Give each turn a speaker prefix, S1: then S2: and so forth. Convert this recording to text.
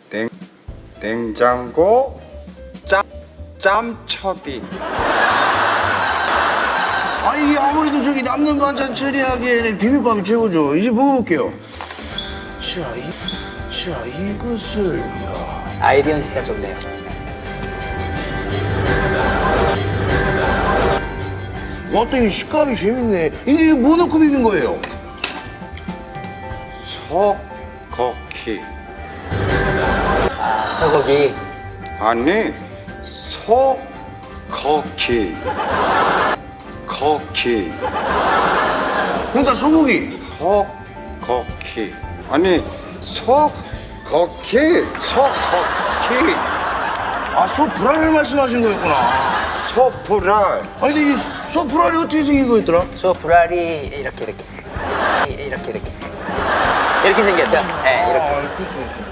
S1: 냉장고 짬첩이.
S2: 아니 아무래도 저기 남는 반찬 처리하기에는 비빔밥이 최고죠. 이제 먹어볼게요. 자, 이것을
S3: 아이디어는 진짜 좋네요.
S2: 와, 또 이 식감이 재밌네. 이게 뭐 넣고 비빈 거예요?
S1: 소고기.
S3: 아, 소고기.
S1: 아니 소고기. 거기.
S2: 그러니까 소고기.
S1: 소고기. 아니 소고기.
S2: 아, 소불알을 말씀하신 거였구나.
S1: 소불알.
S2: 아니 근데 이 소불알이 어떻게 생긴 거였더라?
S3: 소 불알이 이렇게 생겼죠? 네, 이렇게.
S2: 아, 그렇죠.